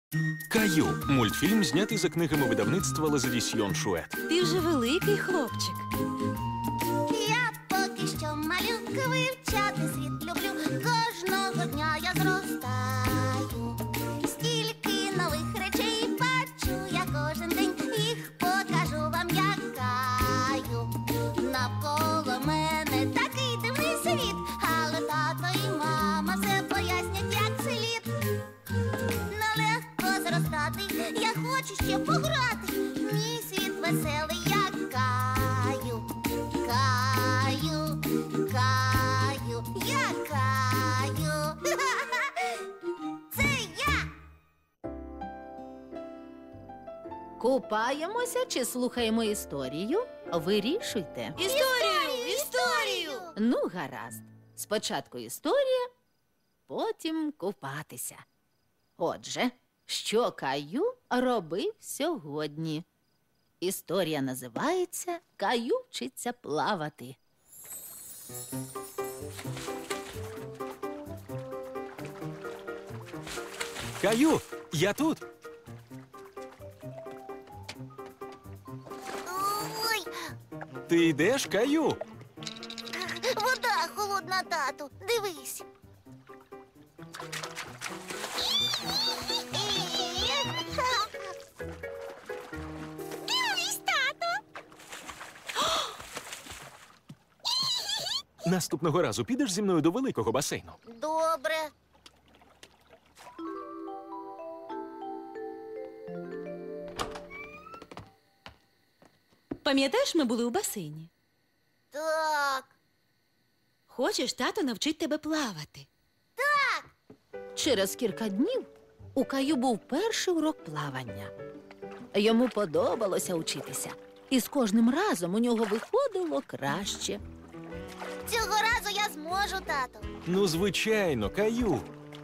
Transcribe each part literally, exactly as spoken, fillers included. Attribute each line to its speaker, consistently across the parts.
Speaker 1: Каю – мультфільм, знятий за книгами видавництва Лазадісьйон Шует.
Speaker 2: Ти вже великий хлопчик.
Speaker 3: Я поки що малюка, вивчати світ люблю. Кожного дня я зростаю. Стільки нових речей бачу я кожен день. Їх покажу вам, як Каю. Навколо мене такий дивний світ, але тато і мама все пояснять, як слід. Нелегко зростати, я хочу ще пограти. Мій світ веселий, як Каю. Каю, Каю, я Каю. Це я.
Speaker 2: Купаємося чи слухаємо історію? Вирішуйте.
Speaker 3: Історію, історію.
Speaker 2: Ну, гаразд. Спочатку історія, потім купатися. Отже, що Каю робив сьогодні? Історія називається «Каю вчиться плавати».
Speaker 1: Каю, я тут.
Speaker 3: Ой,
Speaker 1: Ти йдеш, Каю?
Speaker 3: вода холодна, тату. Дивись. Дивись, тато.
Speaker 1: Наступного разу підеш зі мною до великого басейну.
Speaker 3: Добре.
Speaker 4: Пам'ятаєш, ми були у басейні?
Speaker 3: Так.
Speaker 4: Хочеш, тато навчить тебе плавати?
Speaker 2: Через кілька днів у Каю був перший урок плавання. Йому подобалося учитися, і з кожним разом у нього виходило краще.
Speaker 3: Цього разу я зможу, тато.
Speaker 1: Ну, звичайно, Каю.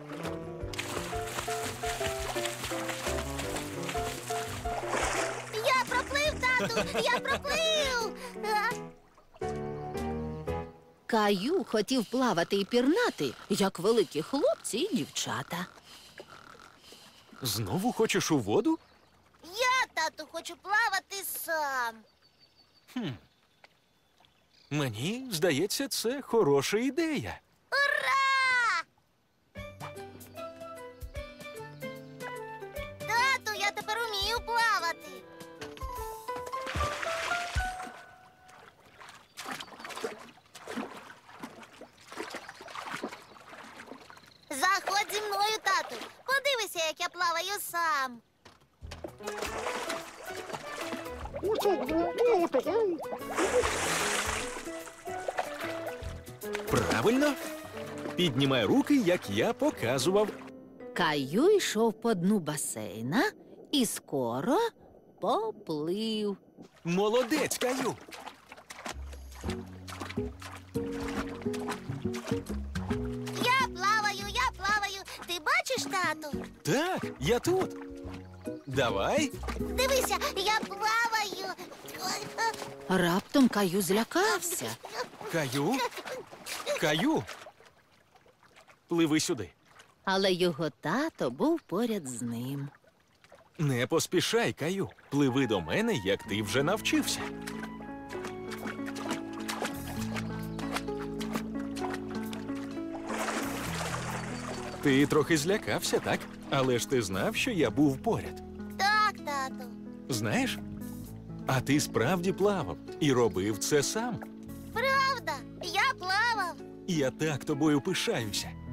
Speaker 3: Я проплив, тату, я проплив. А,
Speaker 2: Каю хотів плавати і пірнати, як великі хлопці і дівчата.
Speaker 1: Знову хочеш у воду?
Speaker 3: Я, тату, хочу плавати сам.
Speaker 1: Мені здається, це хороша ідея.
Speaker 3: Ура! Тату, я тепер умію плавати. Заходь зі мною, тату. Подивися, як я плаваю сам.
Speaker 1: Правильно. Піднімай руки, як я показував.
Speaker 2: Каю йшов по дну басейна і скоро поплив.
Speaker 1: Молодець, Каю.
Speaker 3: Я плаваю, я плаваю. Ти бачиш, тату?
Speaker 1: Так, я тут. Давай.
Speaker 3: Дивися, я плаваю.
Speaker 2: Раптом Каю злякався.
Speaker 1: Каю. Каю. Пливи сюди.
Speaker 2: Але його тато був поряд з ним.
Speaker 1: Не поспішай, Каю. Пливи до мене, як ти вже навчився. Ти трохи злякався, так? Але ж ти знав, що я був поряд.
Speaker 3: Так, тату.
Speaker 1: Знаєш? А ти справді плавав і робив це сам.
Speaker 3: Правда, я плавав.
Speaker 1: І я так тобою пишаюся.